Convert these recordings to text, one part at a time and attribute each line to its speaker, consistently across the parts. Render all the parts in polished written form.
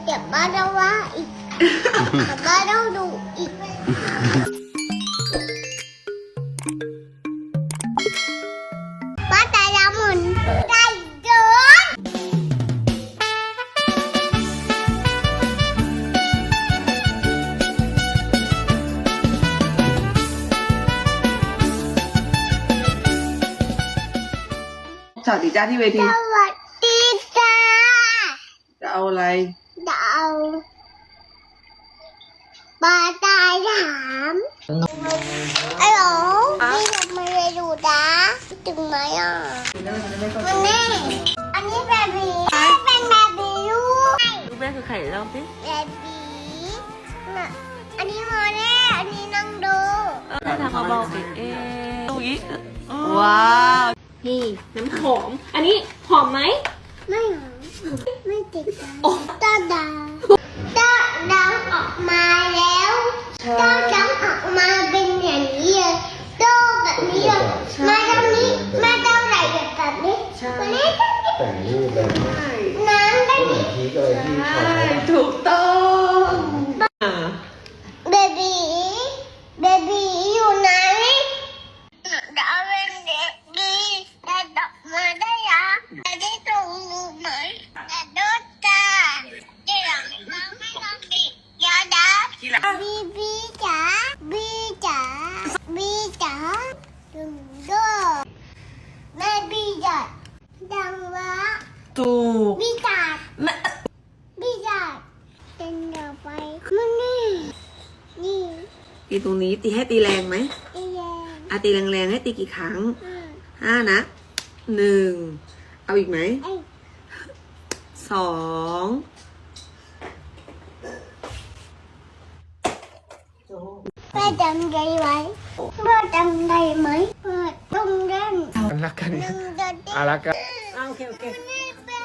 Speaker 1: เดี๋ยวป้าจะว่าอีกเดี๋ยวป้าต้องดูอีกป้าตาละมุนใจเกิน
Speaker 2: สวัสดีจ้าที่เวที
Speaker 1: สวัสดีจ้า
Speaker 2: จะเอาอะไร
Speaker 1: จะเอาปลาตายถามฮัลโหลพี่ทำอะไรอยู่จ้าถึงไหมอ่ะมันแน่อันนี้แบบนี้เป็นแบบนี้ลูก
Speaker 2: ลูกแม่คือไข่เล่าสิ
Speaker 1: แบบนี้น่ะอันนี้มาแน่อันนี้นั่งดู
Speaker 2: ถ้าทำเบาๆสิดูอีกว้าว
Speaker 3: นี่น้ำหอม อันนี้หอมไหม
Speaker 1: ไม่หรอไม่ติดกันตาดาออกมาแล้วตาดำออกมาเป็นอย่างนี้เลยโตแบบนี้เลยมาตรงนี้มาเท่าไหร่แบบนี้มาเล่น
Speaker 4: แต่งรูปเลย
Speaker 1: น้ำได้
Speaker 4: เหมือนพีกอะไรที่เขา
Speaker 2: ถูกต้อง
Speaker 1: เบบีอยู่ไหนดาวเป็นเด็กดีแต่ดอกมาได้ยังได้ตรงรูไหมแต่โดนตาเดี๋ยวเราไม่ต้องดียาดาบีจ๋าดึงดูแม่บีจ๋าดังวะ
Speaker 2: ถูก
Speaker 1: บีจ๋าเป็นดอกไปมันนี่
Speaker 2: ตีตรงนี้ตีให้ตีแรงไหม
Speaker 1: ไอ้แย่
Speaker 2: ตีแรงๆให้ตีกี่ครั้ง
Speaker 1: อ่า
Speaker 2: 5 นะ 1เอาอีกไหม
Speaker 1: ไอ้
Speaker 2: 2
Speaker 1: แม่จำได้ไหมพ่อจำได้ไหมพ่อต้องเล่น
Speaker 4: รักกัน
Speaker 1: หนึ่งเดือน
Speaker 4: รักกัน
Speaker 2: โอเคโอเค
Speaker 1: นี่เป็น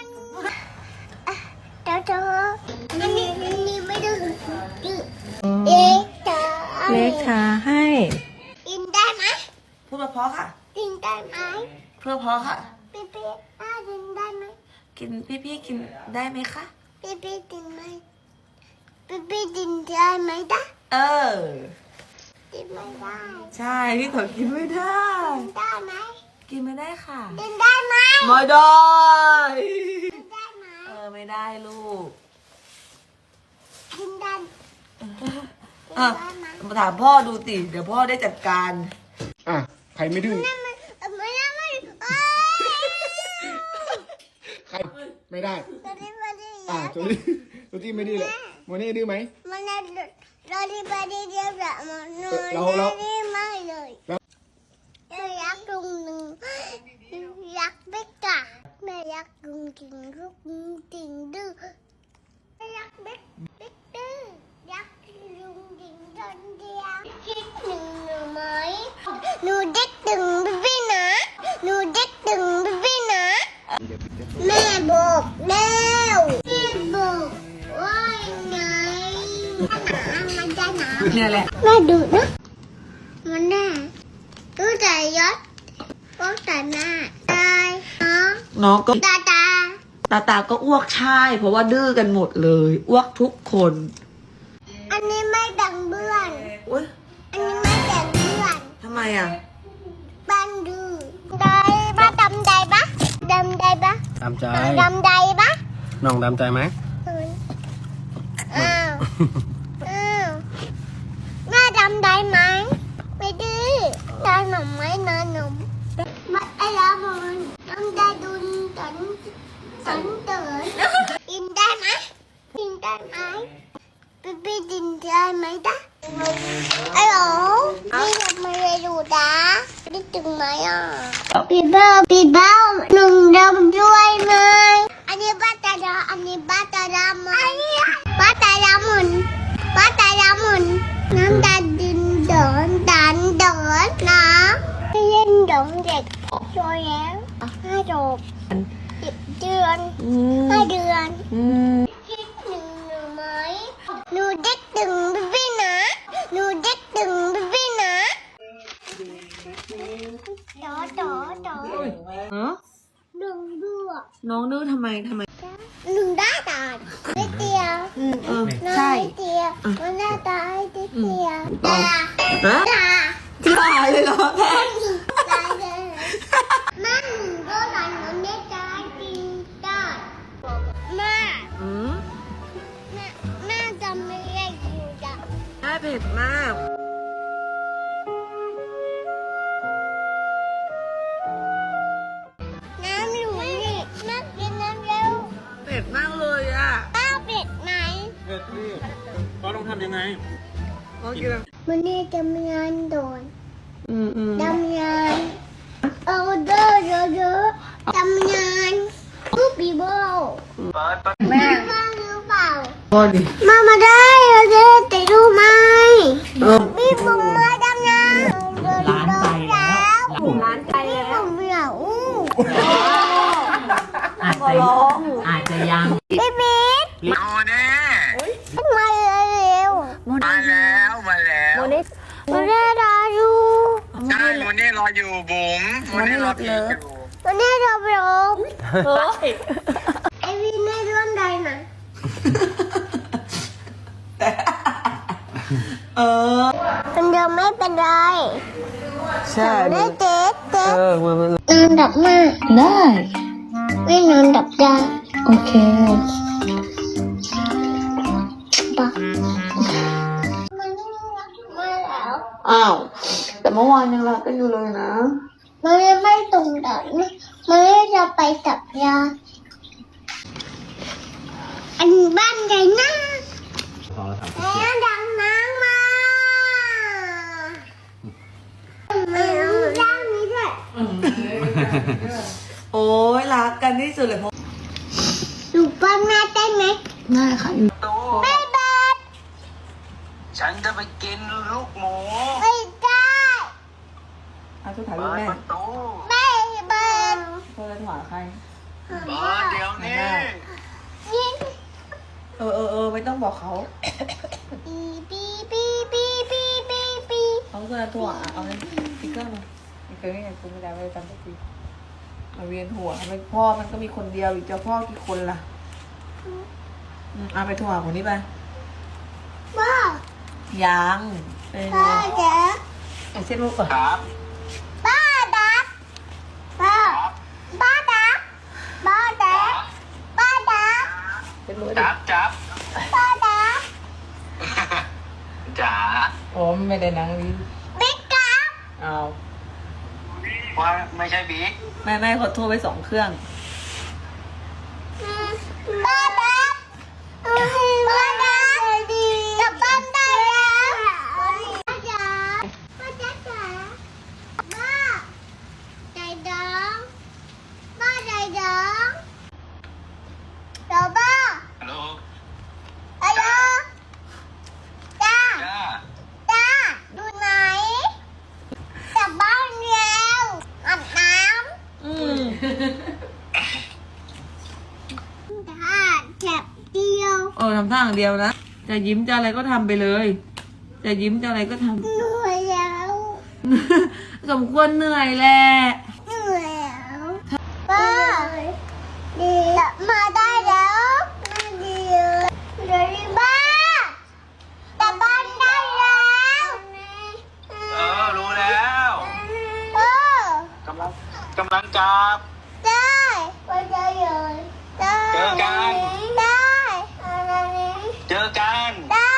Speaker 1: เธออันนี้ไม่ดื้อเอ๊ะจ๋า
Speaker 3: เล็กค่ะให้
Speaker 1: กินได้ไหม
Speaker 2: พูดเพราะๆค่ะ
Speaker 1: กินได้ไหม
Speaker 2: เพื่อเพราะค่ะ
Speaker 1: พี่กินได้ไหม
Speaker 2: กินพี่กินได้ไหมคะ
Speaker 1: พี่กินไหมพี่กินได้ไหมจ๊ะ
Speaker 2: กินไม่ได้
Speaker 1: กินไม่ได้
Speaker 2: ใช่พี่ขอกินไม่ได้
Speaker 1: กินได้ไหม
Speaker 2: กินไม่ได้ค่ะ
Speaker 1: กินได้ไหม
Speaker 2: ไม่ได้
Speaker 1: กินได้ไหม
Speaker 2: ไม่ได้ลูก
Speaker 1: กินได้
Speaker 2: อ่ะมาถามพ่อดูสิเดี๋ยวพ่อได้จัดการ
Speaker 4: อ่ะ ใครไม่ดื้อ
Speaker 1: ไม่
Speaker 4: ใครไม่ได้
Speaker 1: ตอนนี้มาดี
Speaker 4: ตัวนี้ไม่ดื้อเลยโมนี่ดื้อไหม
Speaker 1: มันเราดีไปดีเดียวแบบมันดีไม่เลยยักษ์ลุงหนึ่งยักษ์บิ๊กอะแม่ยักษ์ลุงจริงลูกจริงดื้อยักษ์บิ๊กดื้อยักษ์ลุงจริงตอนเดียวคิดหนึ่งหนูไหมหนูเด็กตึงพี่นะหนูเด็กตึงพี่นะแม่บอกแล้วแม่บอกว่าไงมันจะหนาว
Speaker 2: เนี่ยแหละ
Speaker 1: แม่ดูนะมันแน่ดูใจยศก็แต่หน้าตายน้อง
Speaker 2: น้องก็
Speaker 1: ตา
Speaker 2: ตาก็อ้วกใช่ เพราะว่าดื้อกันหมดเลยอ้วกทุกคน
Speaker 1: อันนี้ไม่ดังเบื่อน
Speaker 2: อุ้ย
Speaker 1: อันนี้ไม่ดังเบื่อน
Speaker 2: ทำไมอ่ะ
Speaker 1: บ้านดื้อได้ปะดำได้ปะดำได้ปะ
Speaker 4: ตามใจ
Speaker 1: ดำได้ปะ
Speaker 4: น้องตามใจไหม
Speaker 1: อ้าวแม่ดำได้ไหมไม่ดื้อตาหนุ่มไหมนาหนุ่มมาไอ้ละมันต้องได้ดุนตันเตือนกินได้ไหมกินได้ไหมพี่กินได้ไหมจ๊ะฮัลโหลพี่ทำอะไรอยู่จ๊ะได้ถึงไหมอ่ะพี่เบ้าหนึ่งดำด้วยไหมอันนี้บ้าตาดาอันนี้บ้าตาดามันบ้าตาดามันน้ำตาดินเดินนะเล่นดงเด็กช่วยแล้ว5 จบ10 เดือน5 เดือนคิดหนึ่งหนูไหมหนูเด็กตึงพี่นะหนูเด็กตึงพี่นะต่อ
Speaker 2: ฮะ
Speaker 1: หนึ่งด้วย
Speaker 2: น้องดื้อทำไม
Speaker 1: หนึ่งได้ตาเดียวมันน่าตายที่เสีย
Speaker 2: ต่อ
Speaker 1: ตา
Speaker 2: ฮะ
Speaker 1: ตา
Speaker 2: ตายเลยเหรอแม่
Speaker 1: ตายเลยแม่หนูก็หลานมันได้ตายจริงได้แม่
Speaker 2: อืม
Speaker 1: แม่จำไม่ได้อยู่จ้ะ
Speaker 2: แม่เผ็ดมาก
Speaker 1: น้ำหนูนี่แม่กินน้ำเร็ว
Speaker 2: เผ็ดมากเลยอ่ะ
Speaker 1: ป้าเป็ดไหน
Speaker 4: เผ็ดนี่ก็ต้องทำยังไง
Speaker 2: ก็กินแล้ว
Speaker 1: มันนี่ทำงานโดน
Speaker 2: อืม
Speaker 1: ทำงานเอาเด้อเยอะๆทำงานลูกปีโบแม่ฟังหรือเปล่า
Speaker 2: พอดิ
Speaker 1: มาได้เราจะติดรู้ไหม
Speaker 2: เออ
Speaker 1: พี่ผมมาทำงาน
Speaker 2: ร้านไปแล้ว
Speaker 3: ร้านไปแล้ว
Speaker 1: ผมเหงา
Speaker 2: อาจจะยัง
Speaker 1: พี่บิ๊ก
Speaker 5: โมเน่
Speaker 1: มาเร็ว
Speaker 5: มาแล้วมาแล้ว
Speaker 1: มาได้รออยู่
Speaker 5: ใช่โมเน่รออยู่บุ๋มโมเน่รอพี่อยู่
Speaker 1: มาได้รอไปรอ
Speaker 3: เฮ้ย
Speaker 1: ไอวินไม่ร่วมใดนะ
Speaker 2: เออ
Speaker 1: มันยังไม่เป็นไร
Speaker 2: ใช่
Speaker 1: ได้เต๊ะเต๊ะ
Speaker 2: มัน
Speaker 1: นอนดับมาก
Speaker 2: ได้
Speaker 1: ไม่นอนดับได้
Speaker 2: โอเค
Speaker 1: ปะมันมาแล้ว
Speaker 2: อ้าว แต่เมื่อวานยังรักกันอยู่เลยนะ
Speaker 1: มันไม่ตรงดับนะมันไม่จะไปกับยาอันบ้านใหญ่นะแล้วดังน้ำมาย่างนี้ด้วย
Speaker 2: โอ้ยรักกันที่สุดเลยเพราะ
Speaker 1: ดูป้าแม่ได้ไหม
Speaker 2: น่าค่ะ
Speaker 5: ตู้
Speaker 1: ไม่ได้
Speaker 5: ฉันจะไปกินลูกหมู
Speaker 1: ไม่ได้
Speaker 2: เอาทุกถ่ายรู
Speaker 5: เปิ
Speaker 2: ป
Speaker 5: ด
Speaker 2: แม่
Speaker 5: ประตู
Speaker 1: ไม่เบิร์น
Speaker 2: เพื่อนหวาใคร
Speaker 5: เปิดเดี๋ยวนี้
Speaker 1: ยิง
Speaker 2: ไม่ต้องบอกเขา
Speaker 1: ปีปีปีปีปีปีปี
Speaker 2: เอาเพื่อนถั่วเอาเลยสติ๊กเกอร์มาสติ๊กเกอร์นี่ไงกูไม่ได้ไม่ได้จำสักทีมาเวียนหัวไม่พ่อมันก็มีคนเดียวอีกจะพ่อกี่คนล่ะเอาไปถั่วคนนี้ไป
Speaker 1: บ้า
Speaker 2: ยังเป็นไง
Speaker 1: ป้าเจ๊
Speaker 2: ไอ้เส้นลูกก่อน
Speaker 5: ครับ
Speaker 1: ป้าดับป้าป้าดับป้าดับป้าดับ
Speaker 2: เป็นลูก
Speaker 5: จับจับ
Speaker 1: ป้าดับ
Speaker 5: จ๋า
Speaker 2: โอ้ไม่ได้นั่งดี
Speaker 1: บิ๊กกับ
Speaker 2: เอา
Speaker 5: ว่าไม่ใช่บิ๊ก
Speaker 2: แม่ขอโทรไป2 เครื่อง
Speaker 1: ป้าดับป้าดับกลับบ้านได้แล้วป้าจ๋าป้าจ๋าจ๋าป้าใจดองป้าใจดองเดี๋ยวป้า
Speaker 5: ฮัลโหล
Speaker 1: ฮัลโหลจ้า
Speaker 5: จ้า
Speaker 1: จ้าดูไหนกลับบ้านแล้วอาบน้
Speaker 2: อืม
Speaker 1: ำถ้าแฉบเดียว
Speaker 2: ทำท่าอย่างเดียวนะจะยิ้มจะอะไรก็ทำไปเลย จะยิ้มจะอะไรก็ทำ
Speaker 1: เหนื่อยแล้ว
Speaker 2: สมควรเหนื่อยแหละ
Speaker 1: เหนื่อยแล้วป้าดีมาได้แล้วมาดีเลยบ้ากลับบ้านได้แล้ว
Speaker 5: รู้แล้ว
Speaker 1: เออก
Speaker 5: ำลังกลับ
Speaker 1: ได้ไปได้เลยได้
Speaker 5: เจอกัน
Speaker 1: ได้อะไรนี้
Speaker 5: เจอกัน
Speaker 1: ได้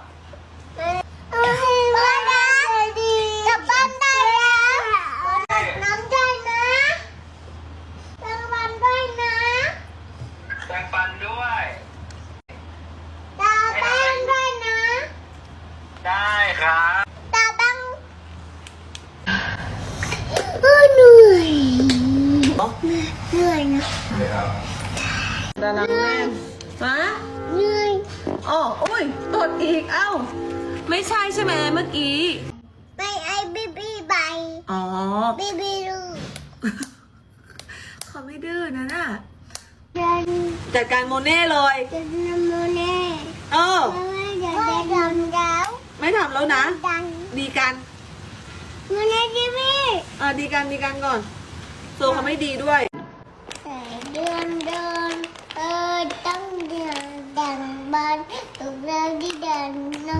Speaker 1: มาได้ดีกลับบ้านได้แล้วน้ำใจนะกลับบ้านด้วยนะ
Speaker 5: แบ่งปันด้วย
Speaker 1: ตาแป้งด้วยนะ
Speaker 5: ได้ครับ
Speaker 1: ตาแป้งเหนื่อยเหนื่อยนะ
Speaker 2: ดาราแม่ฮะ
Speaker 1: เหนื่อย
Speaker 2: อ๋อโอ้ยตดอีกเอ้า ไม่ใช่ใช่ไหมเมื่อกี้
Speaker 1: ไปไอ้บีบีใบ
Speaker 2: อ๋อ
Speaker 1: บีบีลู
Speaker 2: เขาไม่ดื้อนะน่ะ
Speaker 1: เดิน
Speaker 2: จัดการโมเน่เลย
Speaker 1: จะนำโมเน่
Speaker 2: เออ
Speaker 1: ไม่ดำแล้ว
Speaker 2: ไม่ทำแล้วนะ
Speaker 1: ดัง
Speaker 2: ดีกัน
Speaker 1: โมเน่บีบี
Speaker 2: ดีกันก่อนโซเขาไม่ดีด้วย
Speaker 1: เดินต้องเดินดังบ้านตุกเราที่เดินน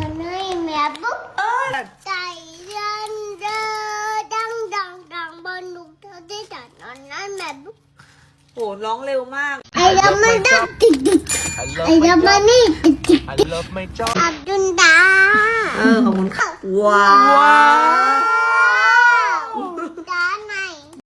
Speaker 2: ร้องเร็วมาก
Speaker 1: ไอ้ดำมันดับติดไอ้ดำมันนี่ติดอับดุลดา
Speaker 2: ขอบคุณค่ะว้าว